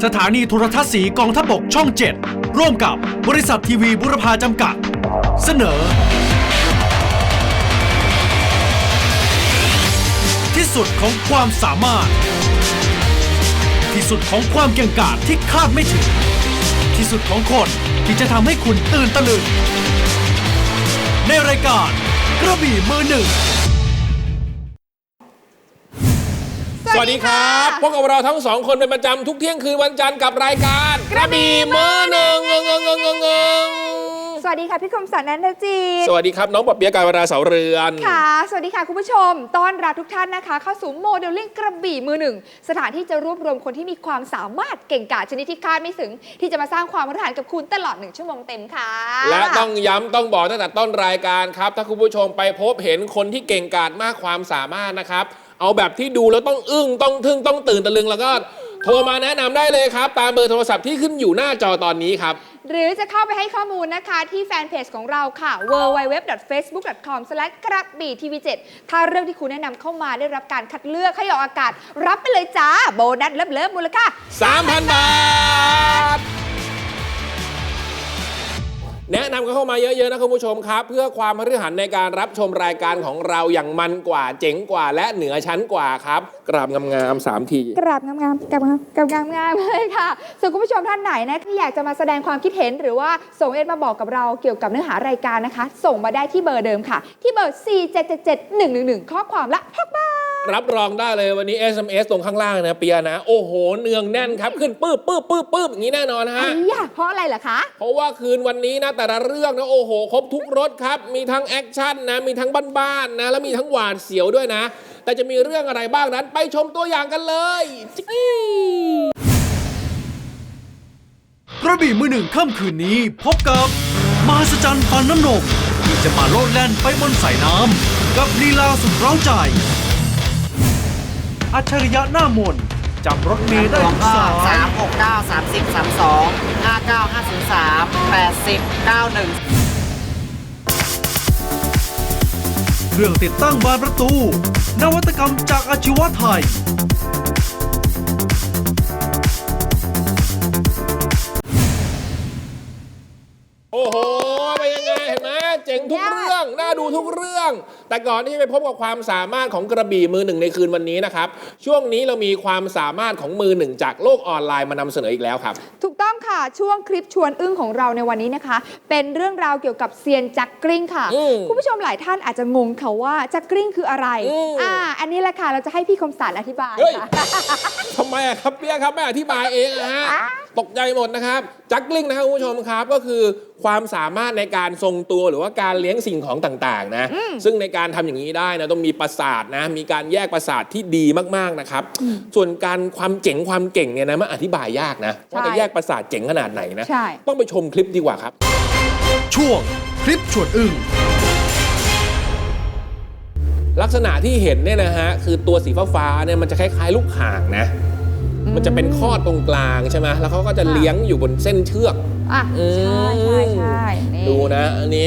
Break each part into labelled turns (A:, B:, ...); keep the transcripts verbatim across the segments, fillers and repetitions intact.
A: สถานีโทรทัศน์สีกองทัพบกช่องเจ็ดร่วมกับบริษัททีวีบุรพาจำกัดเสนอที่สุดของความสามารถที่สุดของความเก่งกาจที่คาดไม่ถึงที่สุดของคนที่จะทำให้คุณตื่นตะลึงในรายการกระบี่มือหนึ่ง
B: สวัสดีครับพบกับเราทั้งสองคนเป็นประจำทุกเที่ยงคืนวันจันทร์กับรายการกระบี่มือหนึ่งงงงงงง
C: สวัสดีค่ะพี่คมสันต์ นันทจี
B: สวัสดีครับน้องปอบเปี๊ยะ กาญจนาเสาเรือน
C: ค่ะสวัสดีค่ะคุณผู้ชมต้อนรับทุกท่านนะคะเข้าสู่โมเดลลิ่งกระบี่มือหนึ่งสถานที่จะรวบรวมคนที่มีความสามารถเก่งกาจชนิดที่คาดไม่ถึงที่จะมาสร้างความรู้ฐานกับคุณตลอดหนึ่งชั่วโมงเต็มค่ะ
B: และต้องย้ำต้องบอกตั้งแต่ต้นรายการครับถ้าคุณผู้ชมไปพบเห็นคนที่เก่งกาจมากความสามารถนะครับเอาแบบที่ดูแล้วต้องอึ้งต้องทึ่งต้องตื่นตะลึงแล้วก็โทรมาแนะนำได้เลยครับตามเบอร์โทรศัพท์ที่ขึ้นอยู่หน้าจอตอนนี้ครับ
C: หรือจะเข้าไปให้ข้อมูลนะคะที่แฟนเพจของเราค่ะ ดับเบิลยู ดับเบิลยู ดับเบิลยู ดอท เฟซบุ๊ก ดอท คอม สแลช กระบี่ทีวีเจ็ดถ้าเรื่องที่คุณแนะนำเข้ามาได้รับการคัดเลือกให้ออกอากาศรับไปเลยจ้าโบนัสเลิฟๆมูลค่า
B: สามพัน บาทแนะนำกันเข้ามาเยอะๆนะคุณผู้ชมครับเพื่อความพฤหันในการรับชมรายการของเราอย่างมันกว่าเจ๋งกว่าและเหนือชั้นกว่าครับกราบงามๆสามที
C: กราบงามๆกราบงามกราบงามๆเลยค่ะส่วนคุณผู้ชมท่านไหนนะที่อยากจะมาแสดงความคิดเห็นหรือว่าส่งเอสมาบอกกับเราเกี่ยวกับเนื้อหารายการนะคะส่งมาได้ที่เบอร์เดิมค่ะที่เบอร์สี่ เจ็ด เจ็ด เจ็ด หนึ่ง หนึ่ง หนึ่งข้อความละพักบ้า
B: รับรองได้เลยวันนี้ เอส เอ็ม เอส ตรงข้างล่างนะเปียนะโอ้โหเนืองแน่นครับขึ้นปื้บปื้บปื้บปื้บอย่างนี้แน่นอนฮะ
C: เพราะอะไรล่ะคะ
B: เพราะว่าคืนวันนี้นะแต่ละเรื่องนะโอ้โหครบทุกรสครับมีทั้งแอคชั่นนะมีทั้งบ้านๆนะแล้วมีทั้งหวาดเสียวด้วยนะแต่จะมีเรื่องอะไรบ้างนั้นไปชมตัวอย่างกันเลย
A: กระบี่มือหนึ่งค่ำคืนนี้พบกับมหัศจรรย์ฟันน้ำนมที่จะมาโลดแล่นไปบนสายน้ำกับลีลาสุดเร้าใจอัจฉริยะหน้ามนจำรถเมล์ได้ทุกสาย
D: สาม หก เก้า สามสิบ สามสิบสอง ห้า เก้า ห้า ศูนย์ สาม แปดสิบ เก้า หนึ่ง
A: เครื่องติดตั้งบานประตูนวัตกรรมจากอาชีวะไทย
B: โอ้โหเป็นยังไงเห็นไหมเจ๋งทุกเรื่องน่าดูทุกเรื่องแต่ก่อนที่จะไปพบกับความสามารถของกระบี่มือหนึ่งในคืนวันนี้นะครับช่วงนี้เรามีความสามารถของมือหนึ่งจากโลกออนไลน์มานำเสนออีกแล้วครับ
C: ถูกต้องค่ะช่วงคลิปชวนอึ้งของเราในวันนี้นะคะเป็นเรื่องราวเกี่ยวกับเซียนจักกริ้งค่ะคุณผู้ชมหลายท่านอาจจะงงค่ะว่าจักกริ้งคืออะไรอ่าอันนี้แหละค่ะเราจะให้พี่คมสันต์อธิบายค่ะ
B: ทำไมอะครับเปียครับไม่อธิบายเองนะฮะตกใจหมดนะครับจักกริ้งนะครับคุณผู้ชมครับก็คือความสามารถในการทรงตัวหรือว่าการเลี้ยงสิ่งของต่างๆนะซึ่งในการทำอย่างนี้ได้นะต้องมีประสาทนะมีการแยกประสาทที่ดีมากๆนะครับส่วนการความเจ๋งความเก่งเนี่ยนะมันอธิบายยากนะว่าจะแยกประสาทเจ๋งขนาดไหนนะต้องไปชมคลิปดีกว่าครับ
A: ช่วงคลิปชวนอึ้ง
B: ลักษณะที่เห็นเนี่ยนะฮะคือตัวสีฟ้าๆเนี่ยมันจะคล้ายๆลูกห่างนะมันจะเป็นข้อตรงกลางใช่ไหมแล้วเขาก็จะเลี้ยงอยู่บนเส้นเชือก
C: อ่ะใช่ใช่ใช่
B: ดูนะอันนี้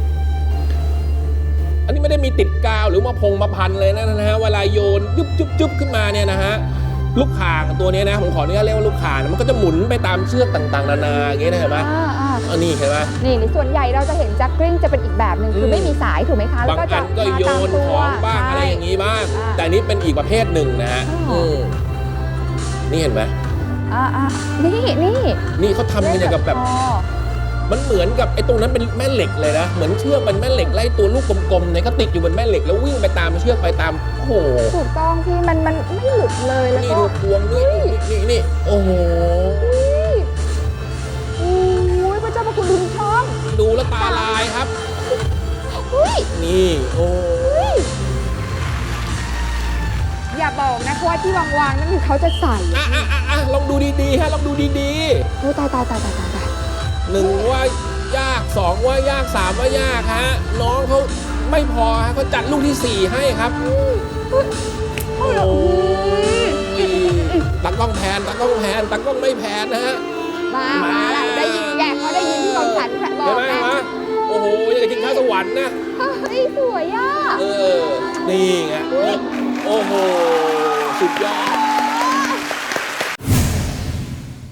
B: อันนี้ไม่ได้มีติดกาวหรือมาพงมาพันเลยนะนะฮะเวลาโยนยุบยุบยุบขึ้นมาเนี่ยนะฮะลูกข่างตัวนี้นะผมขออนุญาตเรียกว่าลูกข่างมันก็จะหมุนไปตามเชือกต่างๆนานาอย่างเงี้ยเห็นไหมอันนี้เห็นไหม
C: นี่ในส่วนใหญ่เราจะเห็นจักกริ้งจะเป็นอีกแบบหนึ่งคือไม่มีสายถูกไหมคะ
B: บางอันก็โยนของบ้างอะไรอย่างงี้บ้างแต่นี้เป็นอีกประเภทหนึ่งนะฮะนี่เห็นไหม
C: อ่าอ่านี่นี่
B: นี่เขาทำกันอย่างกับแบบมันเหมือนกับไอ้ตรงนั้นเป็นแม่เหล็กเลยนะเหมือนเชือกเป็นแม่เหล็กไล่ตัวลูกกลมๆเนี่ยก็ติดอยู่บนแม่เหล็กแล้ววิ่งไปตามเชือกไปตามโอ้โห
C: ถูกต้องพี่มันมันไม่หลุดเลยแล้วก็
B: นี่ดูพวงด้วยนี่นี่โอ้โห
C: โอ้ยพระเจ้าพระคุณดูช่อง
B: ดูแล้วตาลายครับนี่โอ้
C: อย่าบอกนะว่าที่วางๆนั่นคือเขาจะใส่
B: อ่ะอ่ะอ่ะลองดูดีๆฮะลองดูดี
C: ๆโอ้ตายตายตายตายตายตาย
B: หนึ่งว่ายากสองว่ายากสามว่ายากฮะน้องเขาไม่พอฮะเขาจัดลูกที่สี่ให้ครับโอ้ยตากล้องแพนตากล้องแพนตากล้องไม่แพนนะฮะ
C: มามาแล้วได้ยินแกเขาได้ยินที่กองฉันบอก
B: นะโอ้โหยังจะกินข้าวสวรรค์นะ
C: เฮ้ยสวยอ่ะ
B: เออนี่ไงโอ้โหสุดยอด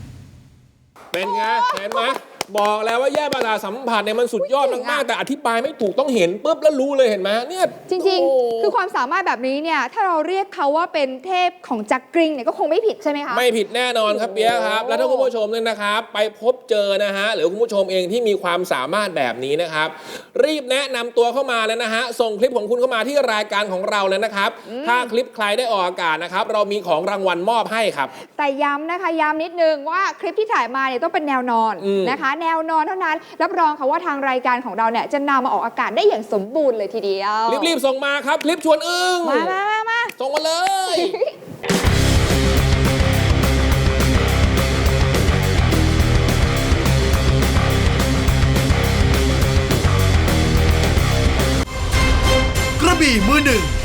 B: เป็นไงเห็นไหมบอกแล้วว่าแยกประสาทสัมผัสเนี่ยมันสุดยอดมากๆแต่อธิบายไม่ถูกต้องเห็นปุ๊บแล้วรู้เลยเห็นไหมเนี่ย
C: จริง
B: โ
C: ๆ คือความสามารถแบบนี้เนี่ยถ้าเราเรียกเขาว่าเป็นเทพของจักกริงเนี่ยก็คงไม่ผิดใช่ไหมคะ
B: ไม่ผิดแน่นอนครับเปียะครับ แล้วถ้าคุณผู้ชมเนี่ยนะครับ ไปพบเจอนะฮะหรือคุณผู้ชมเองที่มีความสามารถแบบนี้นะครับ รีบแนะนำตัวเข้ามาเลยนะฮะส่งคลิปของคุณเข้ามาที่รายการของเราเลยนะครับ ถ้าคลิปใครได้ออกอากาศนะครับเรามีของรางวัลมอบให้ครับ
C: แต่ย้ำนะคะย้ำนิดนึงว่าคลิปที่ถ่ายมาเนี่ยต้องเป็นแนวนอน
B: อืม
C: นะคะ แนวนอนเท่านั้นรับรองค่ะว่าทางรายการของเราเนี่ยจะนำมาออกอากาศได้อย่างสมบูรณ์เลยทีเดียว
B: รีบๆส่งมาครับคลิปชวนอึ้ง
C: มามามามา
B: ส่งมาเลย
A: กระบี่มือหนึ่ง